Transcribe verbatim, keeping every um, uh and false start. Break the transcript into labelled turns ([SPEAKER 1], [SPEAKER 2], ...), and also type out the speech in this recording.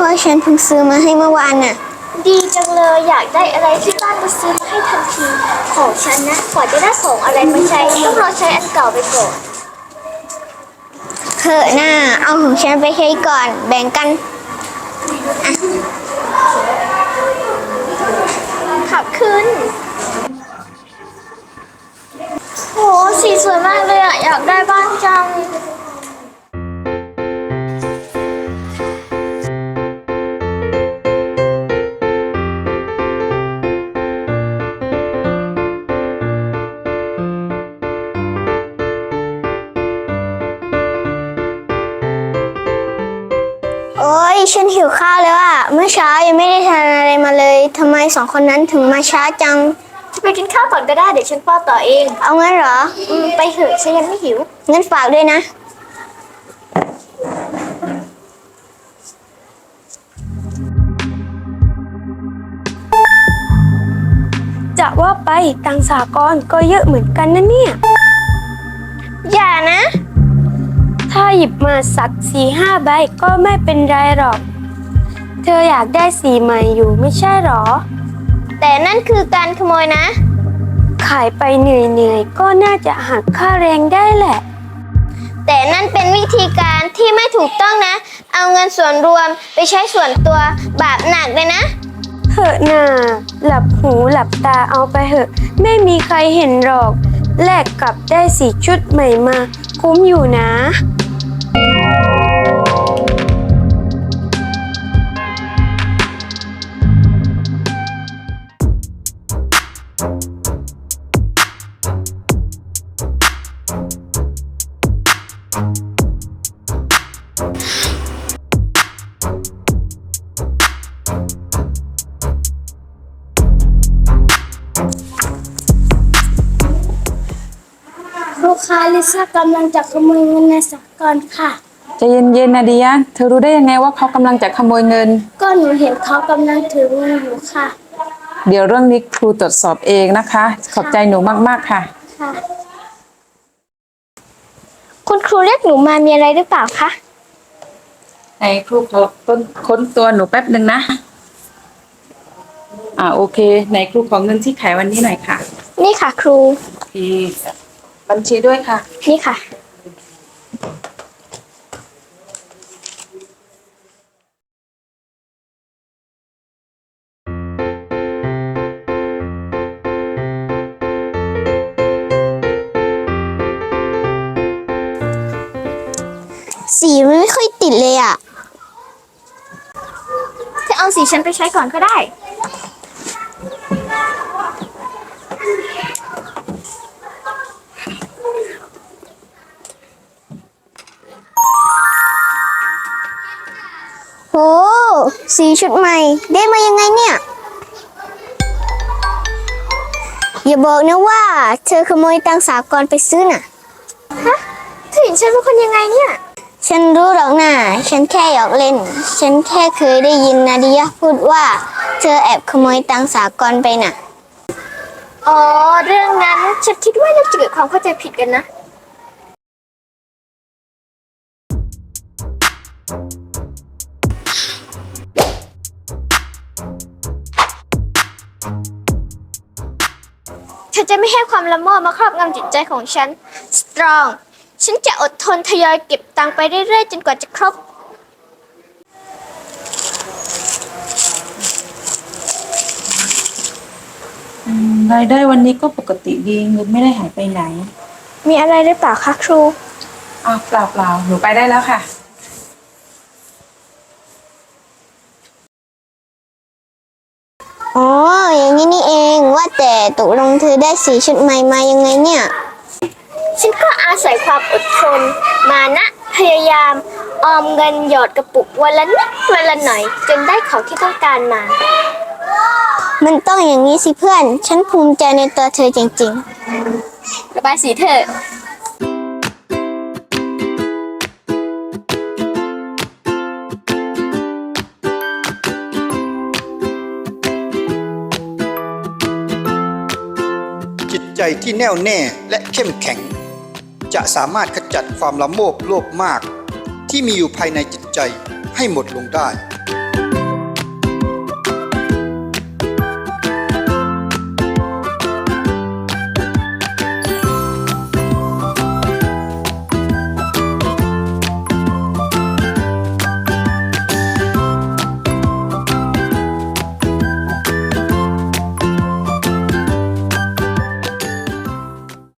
[SPEAKER 1] ฉันเพิ่งซื้อมาให้เมื่อวานน่ะ
[SPEAKER 2] ดีจังเลยอยากได้อะไรที่บ้านก็ซื้อมาให้ทันทีของฉันนะกว่าจะได้ของอะไรมาใช้ต้องรอใช้อันเก่าไปก่อน
[SPEAKER 1] เถอะหน้าเอาของฉันไปใช้ก่อนแบ่งกัน
[SPEAKER 2] ขับขึ้นโหสีสวยมากเลยอ่ะอยากได้บ้างจัง
[SPEAKER 1] โอ้ยฉันหิวข้าวแล้วอ่ะเมื่อเช้ายังไม่ได้ทานอะไรมาเลยทำไมสองคนนั้นถึงมาช้าจัง
[SPEAKER 2] จะไปกินข้าวก่อนก็ได้เดี๋ยวฉันป้อนต่อเอง
[SPEAKER 1] เอางั้นเหรอ
[SPEAKER 2] อืมไปเถอะฉันยังไม่หิว
[SPEAKER 1] งั้นฝากด้วยนะ
[SPEAKER 3] จะว่าไปตังค์สหกรณ์ก็เยอะเหมือนกันนะเนี่ย
[SPEAKER 1] อย่านะ
[SPEAKER 3] ถ้าหยิบมาสักสี่ห้าใบก็ไม่เป็นไรหรอกเธออยากได้สีใหม่อยู่ไม่ใช่หรอ
[SPEAKER 1] แต่นั่นคือการขโมยนะ
[SPEAKER 3] ขายไปเหนื่อยๆก็น่าจะหักค่าแรงได้แหละ
[SPEAKER 1] แต่นั่นเป็นวิธีการที่ไม่ถูกต้องนะเอาเงินส่วนรวมไปใช้ส่วนตัวบาปหนักเลยนะ
[SPEAKER 3] เหอะน่าหลับหูหลับตาเอาไปเหอะไม่มีใครเห็นหรอกแลกกับได้สีชุดใหม่มาคุ้มอยู่นะ
[SPEAKER 2] ลูกค้าลิซ่ากำลังจะขโมยเงินในสหกรณ์ค่ะ
[SPEAKER 4] ใจเย็นๆนะเดียเธอรู้ได้ยังไงว่าเขากำลังจะขโมยเงิน
[SPEAKER 2] ก็หนูเห็นเขากำลังถือเงินอยู่ค่ะ
[SPEAKER 4] เดี๋ยวเรื่องนี้ครูตรวจสอบเองนะคะขอบใจหนูมากๆค่ะ
[SPEAKER 2] ค่ะคุณครูเรียกหนูมามีอะไรหรือเปล่าคะ
[SPEAKER 4] ไหนครูขอค้นค้นตัวหนูแป๊บหนึ่งนะอ่าโอเคไหนครูขอเงินที่ขายวันนี้หน่อยค่ะ
[SPEAKER 2] นี่ค่ะครู
[SPEAKER 4] โอเคบัญชีด้วยค่ะ
[SPEAKER 2] นี่ค่ะ
[SPEAKER 1] สีมันไม่ค่อยติดเลยอ่ะ
[SPEAKER 2] จะเอาสีฉันไปใช้ก่อนก็ได้
[SPEAKER 1] โหสีชุดใหม่ได้มายังไงเนี่ยอย่าบอกนะว่าเธอขโมยตังค์สหกรณ์ไปซื้อน่ะ
[SPEAKER 2] ฮะเธอเห็นฉันเป็นคนยังไงเนี่ย
[SPEAKER 1] ฉันรู้หรอกนะฉันแค่หยอกเล่นฉันแค่เคยได้ยินนาดิยะพูดว่าเธอแอบขโมยตังค์สหกรณ์ไปน่ะ
[SPEAKER 2] อ๋อเรื่องนั้นฉันคิดว่าน่าจะเกิดความเข้าใจผิดกันนะฉันจะไม่ให้ความละโมบมาครอบงำจิตใจของฉันสตรองฉันจะอดทนทยอยเก็บตังค์ไปเรื่อยๆจนกว่าจะครบ
[SPEAKER 4] รายได้วันนี้ก็ปกติดีเงินไม่ได้หายไปไหน
[SPEAKER 2] มีอะไรหรือเปล่าคะครู
[SPEAKER 4] อ้าวเปล่าเปล่าหนูไปได้แล้วค่ะ
[SPEAKER 1] อ๋ออย่างนี้นี่เองว่าแต่ตกลงเธอได้สีชุดใหม่มายังไงเนี่ย
[SPEAKER 2] ฉันก็อาศัยความอดทนมานะพยายามออมเงินหยอดกระปุกวันละนิดวันละหน่อยจนได้ของที่ต้องการมา
[SPEAKER 1] มันต้องอย่างนี้สิเพื่อนฉันภูมิใจในตัวเธอจริง
[SPEAKER 2] ๆระบายสีเถอะ
[SPEAKER 5] จิตใจที่แน่วแน่และเข้มแข็งจะสามารถขจัดความละโมบโลภมากที่มีอยู่ภายในจิตใจให้หมดลงได้